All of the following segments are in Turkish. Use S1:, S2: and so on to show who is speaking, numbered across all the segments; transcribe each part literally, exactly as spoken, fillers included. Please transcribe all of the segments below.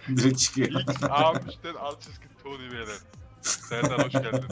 S1: Direkt çıkıyor.
S2: X A üçten alt çizgi Tony beyler. Serdar hoş geldin.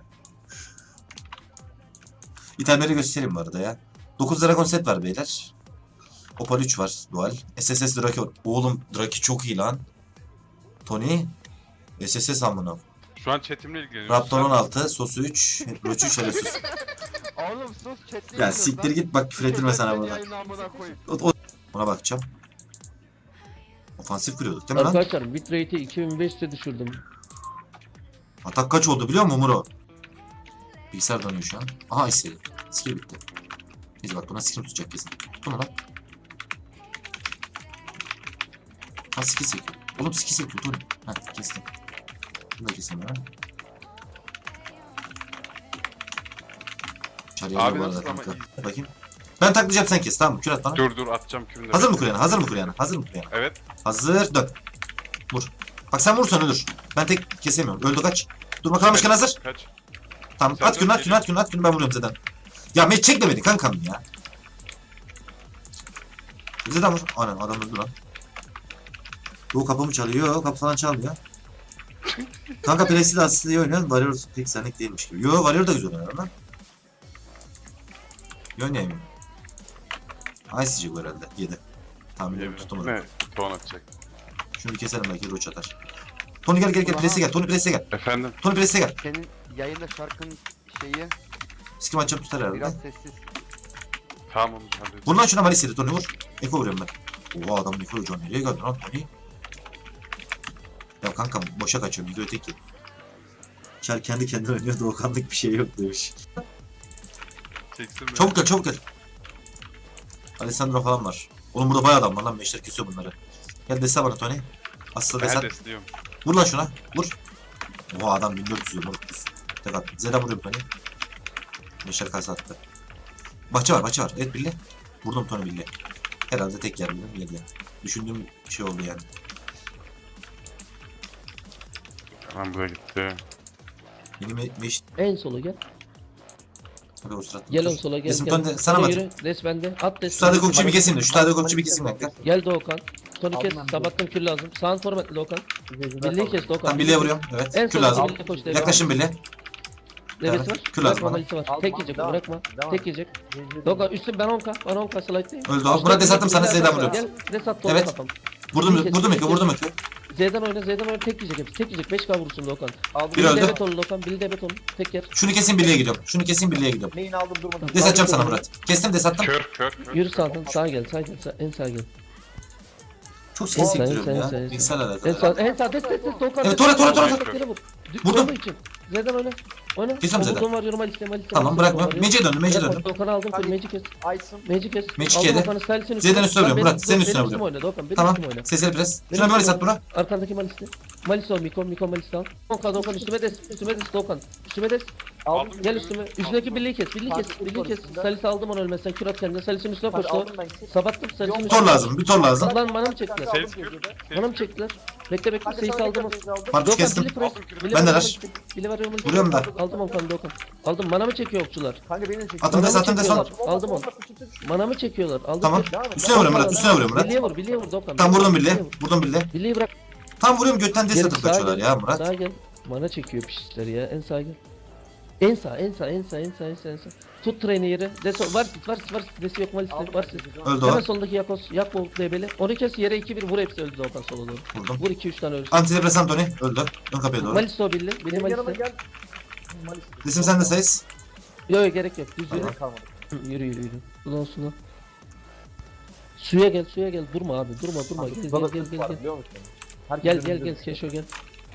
S1: İtemleri göstereyim bu arada ya. dokuz Dragon set var beyler. Opal üç var dual. S S S Draki var. Oğlum Draki çok iyi lan. Tony. S S S amına.
S2: Şu an chatimle ilgileniyoruz.
S1: Raptor on altı, Sosu üç, Roach üç, hele sus.
S3: Oğlum sus chatle.
S1: Ya siktir git bak küfür ettirme sana burada. O, o, ona bakacağım. Ofansif kuruyorduk değil mi lan?
S4: Arkadaşlar bitrate'i iki bin beş yüze düşürdüm.
S1: Atak kaç oldu biliyor musun Muro? Bilgisayar dönüyor şu an. Aha istedi. Skill bitti. Neyse bak buna skill tutacak kesin. Buna bak. Ha skill sekiyor. Oğlum skill sekiyor Tony. Ha kestim. Bunu da kesin ha. Çarıya
S2: Abi
S1: bu arada
S2: nasıl ama
S1: kanka. Bakayım. Ben taklayacağım sen kes tamam mı? Kür at bana.
S2: Dur dur atacağım kümde.
S1: Hazır mı kuryana? Hazır mı kuryana? Hazır mı kuryana?
S2: Evet.
S1: Hazır dön. Vur. Bak sen vurursan ölür. Ben tek kesemiyorum. Öldü kaç. Dur bakalım başkan hazır.
S2: Kaç.
S1: Tamam
S2: Sen
S1: at günü
S2: dön,
S1: at günü at günü at günü ben vuruyorum Zeden. Ya Met çek de beni kankam ya. Zeden vur. Aynen adam öldü lan. Doğu kapımı çalıyor. Kapı falan çalmıyor. Kanka Presi de aslında iyi oynuyor. Warrior pek senlik değilmiş gibi. Yo Warrior da güzel oynuyor lan. İyi oynayayım mı? Ice bu herhalde. yedi. Tamam biliyorum tutamadım.
S2: Ne? Ton atacak.
S1: Şunu bir keselim belki Roach atar. Tony gel gel gel Presi gel. Tony Presi gel.
S2: Efendim.
S1: Tony Presi gel.
S3: Senin yayında şarkın şeyi
S1: Skim açacağım tutar herhalde.
S3: biraz sessiz.
S2: Tamam onu halledeceğim.
S1: Vur lan şuna Malisa'yı Tony vur. Eko vuruyorum ben. Oha adam Eko hocam nereye geldi lan Tony? Ya kankam boşa kaçıyorum video tek yedi. Çar kendi kendine oynuyor Doğukanlık bir şey yok demiş.
S2: Çeksin beni.
S1: Çabuk gel çabuk gel. Alessandro falan var. Oğlum burada bayağı adam var lan meşler kesiyor bunları. Gel dese bana Tony. Asla
S2: Ben
S1: desen.
S2: desliyorum.
S1: Vur lan şuna. Vur. Oha adam bin dört yüz yiyor moruk biz. Tek at. Zeda vuruyorum Tony. Meşler kasa attı. Bahçe var bahçe var. Evet Billy. Vurdum Tony Billy. Herhalde tek yer bildim yedi. Düşündüğüm şey oldu yani.
S2: Tamam buraya gitti.
S1: Yeni me meş...
S4: En sola gel.
S1: Hadi o sırada.
S4: Gel en sola gel.
S1: Resim
S4: gel.
S1: Tony sana mı
S4: Hadi
S1: atayım?
S4: yürü. Res bende. At des.
S1: Şu sade kokçu bir keseyim de. Şu sade kokçu bir keseyim dakika.
S4: Gel Doğukan. Tony kes.
S3: Aldım ben.
S4: Sabattım kül lazım. Sağın formatlı Doğukan. Birliği kes Doğukan.
S1: Tam Billy'e vuruyorum. Evet.
S4: En
S1: Kül
S4: sola
S1: lazım.
S4: birliği koş.
S1: Yaklaşın Billy.
S4: Devesi var.
S1: Kül lazım
S4: Bırakma
S1: bana.
S4: malisi var.
S3: Aldım,
S4: Tek
S3: aldım.
S4: yiyecek
S3: Devam.
S4: bırakma.
S3: Devam.
S4: Tek yiyecek. Doğukan üstüm ben on ka. Ben on ka slide'dayım.
S1: Öldü o. Murat desatım sana Z'den vuruyorum.
S4: Gel. Res at Doğukan
S1: Evet.
S4: kafam.
S1: Vurdum vurdum Eko vurdum Eko.
S4: Z'den oyna Z'den oyna tek yiyecek hepsi. Tek yiyecek. beş ka vursun Doğukan.
S3: Aldım.
S1: Bir
S4: Billy
S1: öldü.
S4: debet ol Doğukan. Billy debet ol. Tek yer.
S1: Şunu kesin Billy'e gidiyorum. Şunu kesin Billy'e gidiyorum.
S3: Main aldım durmadım.
S1: Des atacağım sana Murat. Kestim des attım.
S2: Kör kör kör.
S4: Yürü sağdan sağa gel. Sağa gel. Sağ, en sağa gel.
S1: Çok ses
S4: Sen,
S1: sektiriyorum
S4: sen,
S1: ya.
S4: sen, sen.
S1: Bilgisayar
S4: En
S1: alakalı.
S4: sağ en sağ des des des Doğukan.
S1: Evet, tora, tora, tora,
S2: tora.
S4: Vur.
S1: Vurdum.
S4: Vurdum için. Z'den oyna. Oyna.
S1: Kesiyorum Z'den.
S4: Omuzum var yürüme liste liste.
S1: Tamam bırakmıyorum. Meci'ye döndüm Meci'ye döndüm.
S4: Doğukan'ı aldım. Full Magic kes.
S3: Ice'ım.
S4: Magic kes.
S1: Magic
S4: Aldım
S1: yedi.
S4: Doğukan'ı Style'sin
S1: Z'den üstüne vuruyorum,
S4: Benim-
S1: Murat, senin
S4: benim
S1: üstüne
S4: üstüme
S1: vuruyorum.
S4: oyna Doğukan. Benim
S1: Tamam.
S4: üstüme oyna.
S1: Sesleri pres.
S4: Benim
S1: Şuna bir malis
S4: üstüme
S1: at buna.
S4: Arkandaki Malis'te. Malis ol Miko. Miko Malis al. Doğukan Doğukan üstüme des. Üstüme des Doğukan. Üstüme des.
S2: Aldım.
S4: Gel üstüme. Üstündeki birliği kes. Birliği kes. Birliği kes. Salis'i aldım onu ölmezsen. Kürat kendine. Salis'in üstüne
S3: Hadi
S4: koştu.
S3: aldım ben.
S4: Sabattım. Salis'in
S1: Bir
S4: üstüne.
S1: tor lazım, bir tor lazım.
S4: Lan bana mı çektiler?
S2: Ses kür.
S4: Bana mı çektiler? Bekle bekle.
S3: Kanka
S4: Seyisi
S3: sana
S4: aldım.
S3: tekrar aldım.
S1: Marpuç
S4: Doğukan
S1: kestim.
S4: Billy press. Billy
S1: Ben de
S4: var,
S1: ver.
S4: Billy var, Billy var.
S1: Vuruyorum da.
S4: Aldım Okan Doğukan. Aldım. Mana mı çekiyor okçular?
S3: Kanka beni de çek.
S1: Atın des
S4: Mana mı
S1: atın des on.
S4: çekiyorlar? Aldım onu. Mana mı çekiyorlar? Aldım.
S1: Tamam.
S4: tek.
S3: Devam et.
S1: Üstüne vuruyorum Murat, üstüne vuruyorum Murat.
S4: Billy'e vur, Billy'e vur Doğukan.
S1: Tam vurdum Billy.
S4: vur.
S1: Vurdum Billy.
S4: Billy'yi bırak.
S1: Tam vuruyorum götten des
S4: Gel,
S1: atıp
S4: sağa
S1: kaçıyorlar
S4: gel.
S1: ya Murat.
S4: Sağa gel. Mana çekiyor pişler ya. En sağa gel. En sağ, en sağ, en sağ, en sağ, en sağ, en sağ. Tut treni yeri. Deso var sit, var sit, var sit. Desi yok malisi,
S3: Aldım
S4: var
S3: ben.
S4: sit.
S1: Öldü
S4: Hemen
S1: o.
S4: soldaki Yakos, yak bol debeli. Onu kes yere iki bir vur hepsi öldü Doğukan sola doğru.
S1: Vurdum.
S4: Vur iki üç tane öldü.
S1: Antidepresan Tony öldü. Ön kapıya doğru.
S4: Malis o billi, billi
S3: Benim yanıma
S4: Malis.
S3: gel. Malis.
S1: Resim sende sayız.
S4: Yok yok gerek yok. Düz yürü.
S3: Benim kalmadı.
S4: Hı, Yürü yürü yürü. Ulan sula. Suya gel, suya gel. Durma abi, durma, durma. Gel,
S3: Baba
S4: gel, gel,
S3: kız
S4: gel,
S3: var,
S4: gel.
S3: biliyor musun? Herkes
S4: Gel, gel,
S3: önümüzde.
S4: gel. Keşo gel.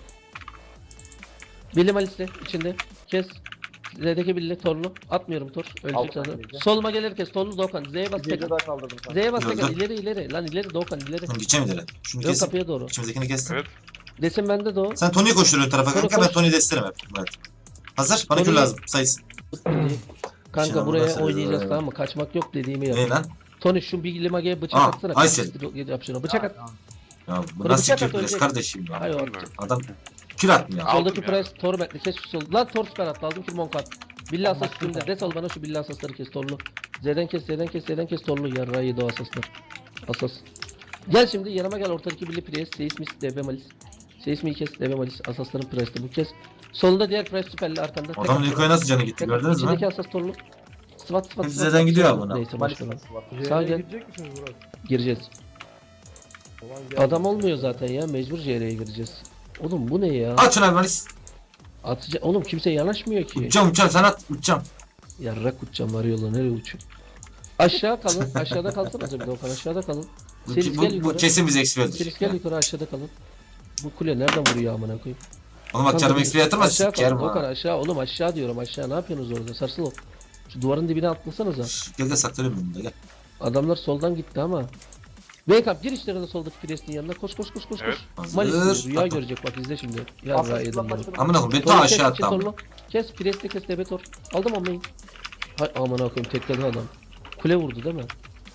S4: Billi Malis'te içinde. Kes. Z'deki billi torlu. Atmıyorum tor.
S3: Aldım
S4: Ölecek
S3: ben
S4: zaten.
S3: bilgi.
S4: Soluma gelir kes. Torlu Doğukan. Z'ye bas
S3: Bir gece
S4: tekrar.
S3: daha kaldırdım kanka.
S4: Z'ye bas
S1: Öldü.
S4: tekrar. İleri ileri. Lan ileri Doğukan ileri.
S1: Tamam gideceğim ileri. Şunu
S4: Yok
S1: kesin.
S4: kapıya doğru.
S1: İçimizdekini kestim.
S2: Evet.
S4: Desin bende de o.
S1: Sen Tony'yi koşturuyor tarafa
S4: Tony
S1: kanka ben
S4: koş.
S1: Tony'yi desterim hep Murat. Hazır? Bana kül
S4: Tony-
S1: lazım sayız.
S4: Kanka
S1: Şimdi
S4: buraya
S1: burası-
S4: oynayacağız tamam mı? Kaçmak yok dediğimi
S1: Ne
S4: yap.
S1: lan?
S4: Tony şu bir limageye bıçak
S1: Aa,
S4: atsana.
S1: Aysel.
S4: Yap şunu. Bıçak at.
S1: Ya bu
S4: Bunu
S1: nasıl
S4: bıçak at
S1: kül pres
S4: ölecek.
S1: kardeşim ya.
S4: Hayır o.
S1: Adam kül atmıyor.
S2: Aldım
S4: Soldaki
S2: ya.
S4: press Torment'li kes şu sol. Lan Tor süper at. Aldım ki Monkat. Billi asas üstünde. Des al bana şu billi asasları kes Torlu. Z'den kes Z'den kes Z'den kes Torlu. Yarrağı yedi o asaslar. Asas. Gel şimdi yanıma gel, ortadaki birli pres, Seismis, D B Malis. Seismi'yi kes, D B Malis, Asasların Pres'te bu kez. Solunda diğer pres süperli arkanda. Tek
S1: Adamın
S4: at.
S1: Niko'ya nasıl canı gitti
S4: Tek-
S1: gördünüz mü?
S4: İçindeki Asas torunu. Sıvat sıvat
S1: Hepsi
S4: sıvat.
S1: Z'den gidiyor abi buna.
S4: Neyse
S3: Malis
S4: başlayalım.
S3: nasıl var?
S4: Sağ
S3: C'ye
S4: gel.
S3: girecek misiniz Murat?
S4: Gireceğiz.
S3: Ulan gel.
S4: Adam olmuyor zaten ya, mecbur C L'ye gireceğiz. Oğlum bu ne ya?
S1: At şunu abi Malis.
S4: Atıcı oğlum, kimse yanaşmıyor ki.
S1: Uçacağım uçacağım sen at uçacağım.
S4: Yarrak uçacağım var yolla, nereye uçuyor? Aşağı kalın, aşağıda kalsanız bir Okan, aşağıda kalın.
S1: Bu,
S4: Selis gel
S1: bu, bu
S4: yukarı.
S1: kesin bize X P
S4: Selis
S1: öldürecek.
S4: gel
S1: ya.
S4: yukarı, aşağıda kalın. Bu kule nereden vuruyor amına koyayım?
S1: Oğlum bak canım
S4: Kanka,
S1: X P yatırma
S4: aşağı
S1: sikerim
S4: kalın, Okan
S1: ha.
S4: aşağı oğlum, aşağı diyorum, aşağı ne yapıyorsunuz orada, sarsıl ol. Şu duvarın dibine atlasanıza.
S1: Gel gel saklanıyorum bunda gel.
S4: Adamlar soldan gitti ama. Wake up, gir işlerine soldaki Priest'in yanına, koş koş koş koş
S2: Evet.
S4: koş.
S1: Hazır.
S4: Malis rüya
S1: Attım.
S4: görecek bak, izle şimdi. Ya
S3: Asas
S4: rüya yedim
S3: lan
S4: bunu.
S3: başladı.
S1: Amına koyayım beni ta
S4: Torlu kes,
S1: aşağı
S4: içi
S1: attı amına.
S4: torlu. Kes, Priest'e kes, Debetor. Aldım onu main. Hay aman koyayım, tekledi adam. Kule vurdu değil mi?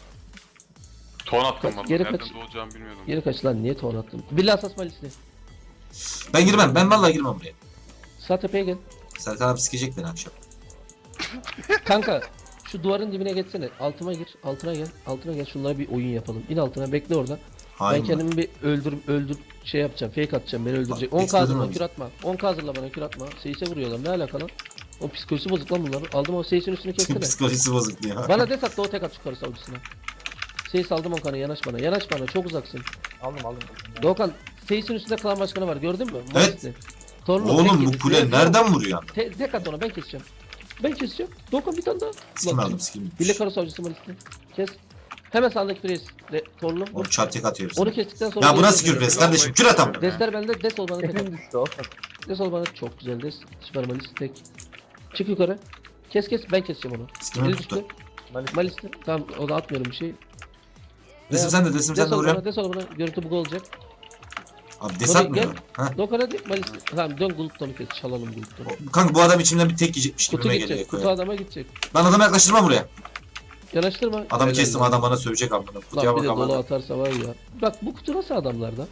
S2: Ton attım
S4: Kaç-
S2: valla.
S4: geri
S2: Nereden
S4: kaç.
S2: doğacağımı bilmiyordum.
S4: Geri kaç lan, niye ton attın? Billah asas Malis'li.
S1: Ben girmem ben vallahi girmem buraya.
S4: Sağ tepeye gel.
S1: Serkan abi sikecek beni akşam.
S4: Kanka şu duvarın dibine geçsene. Altıma gir, altına gel. Altına gel, şunlara bir oyun yapalım. İn altına, bekle orada.
S1: Hain
S4: ben
S1: mi?
S4: kendimi bir öldür öldür şey yapacağım. Fake atacağım, beni öldürecek.
S1: Bak,
S4: on K hazırla,
S1: öldürme
S4: kür atma. on K hazırla bana, kür atma. Seyis'e vuruyorlar. Ne alaka lan? O psikolojisi bozuk lan bunların. Aldım o Seyis'in üstünü kessene.
S1: Psikolojisi bozuk diyor.
S4: Bana des at da o tek at yukarı savcısına. Seyis aldım on K'nı, yanaş bana. Yanaş bana, çok uzaksın.
S3: Aldım aldım.
S4: Doğukan, Seyis'in üstünde klan başkanı var, gördün mü?
S1: Evet.
S4: Malis'li. Torunu,
S1: Oğlum
S4: tek
S1: bu
S4: yedi.
S1: kule
S4: Tek-
S1: nereden vuruyor?
S4: Te tek at ona, ben keseceğim. Ben keseceğim. Doğukan bir tane daha.
S1: Sikim
S4: Ulan,
S1: aldım sikim.
S4: Bile karo savcısı Malis'li. Kes. Hemen sağındaki pres. De, torunu.
S1: Oğlum çarp tek atıyor
S4: Onu
S1: hepsini.
S4: kestikten sonra...
S1: Ya bu
S4: geri
S1: nasıl
S4: dönüyor.
S1: kür pres kardeşim? Kür at ama.
S4: Desler bende, des ol bana tek at.
S3: Hepim düştü o.
S4: Des ol bana, çok güzel des. Süper Malis tek. Çık yukarı. Kes kes, ben keseceğim onu.
S1: Sikimi
S4: Eli
S1: tuttu.
S4: düştü.
S3: Malis.
S4: Malis'li. Tamam, o da atmıyorum bir şey.
S1: Desim sen de desim sen
S4: Des
S1: de
S4: ol
S1: vuruyorum.
S4: bana, des ol bana. Görüntü bug olacak.
S1: Abi des
S4: Tabii,
S1: atmıyor. Ha?
S4: Dokar hadi Malis'li. Tamam, dön Glutton'u kes, çalalım Glutton'u.
S1: Kanka bu adam içimden bir tek yiyecekmiş
S4: Kutu
S1: gibime
S4: gidecek,
S1: geliyor.
S4: kutu adama gidecek.
S1: Ben adamı yaklaştırmam buraya.
S4: Yanaştırma.
S1: Adamı
S4: Helal
S1: kestim
S4: lan.
S1: adam bana sövecek amına. Kutuya
S4: Lan bir
S1: bak
S4: de dolu
S1: amına.
S4: atarsa var ya. Bak bu kutu nasıl adamlarda?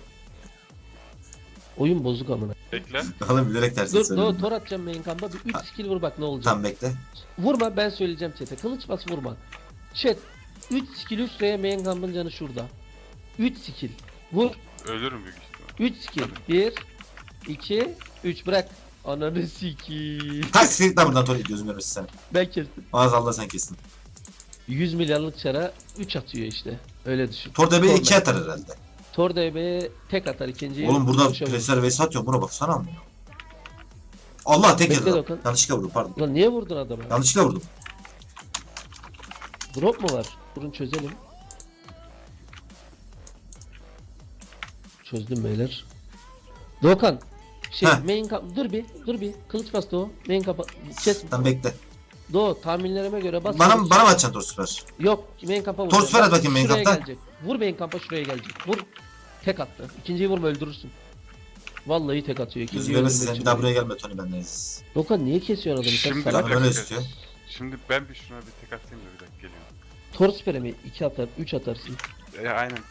S4: Oyun bozuk amına.
S2: Bekle.
S1: Oğlum bilerek tersini
S4: Dur, dur,
S1: söyledim.
S4: tor atacağım main kamp'a. Bir üç skill vur bak ne olacak.
S1: Tamam bekle.
S4: Vurma, ben söyleyeceğim chat'e. Kılıç bas, vurma. Chat. üç skill üç R'ye main kamp'ın canı şurada. üç skill. Vur.
S2: Ölürüm büyük ihtimal.
S4: üç skill. bir, iki, üç bırak. Ananı sikiyim.
S1: Tak siktir lan buradan Tony gözüm görmesin seni.
S4: Ben kestim.
S1: Maazallah sen kestin.
S4: yüz milyarlık çara üç atıyor işte. Öyle düşün.
S1: Tor D B'ye
S4: Tor
S1: iki atar herhalde.
S4: Tor D B'ye tek atar ikinciyi.
S1: Oğlum burada
S4: vuruşa vurur.
S1: presler vs atıyor buna baksana amına. Allah tek
S4: Bekle
S1: yedi lan.
S4: Dokan.
S1: Yanlışlıkla vurdum pardon.
S4: Lan niye vurdun adama?
S1: Yanlışlıkla vurdum.
S4: Drop mu var? Durun çözelim. Çözdüm beyler. Doğukan. Şey
S1: Heh.
S4: main kap dur bir dur bir kılıç bas Doğu. Main kapa kes.
S1: Tamam bekle.
S4: Doğu tahminlerime göre bas.
S1: Bana
S4: kılıç.
S1: bana mı atacaksın Tor süper?
S4: Yok main kampa vur.
S1: Tor süper at bakayım main
S4: Şuraya
S1: kampta.
S4: gelecek. Vur main kampa, şuraya gelecek. Vur. Tek attı. İkinciyi vurma, öldürürsün. Vallahi tek atıyor.
S1: Gözüm
S4: İkinciyi
S1: görmesin
S4: öldürmek
S1: sen
S4: için
S1: bir daha
S4: vuruyor.
S1: buraya gelme Tony benden aziz.
S4: Doğukan niye kesiyorsun adamı? Sen
S2: Şimdi
S4: salak.
S1: Canım
S2: bir
S1: öyle
S2: dakika.
S1: istiyor.
S2: Şimdi ben bir şuna bir tek atayım da bir dakika geliyorum.
S4: Tor süpere mi? iki atar, üç atarsın.
S2: E, aynen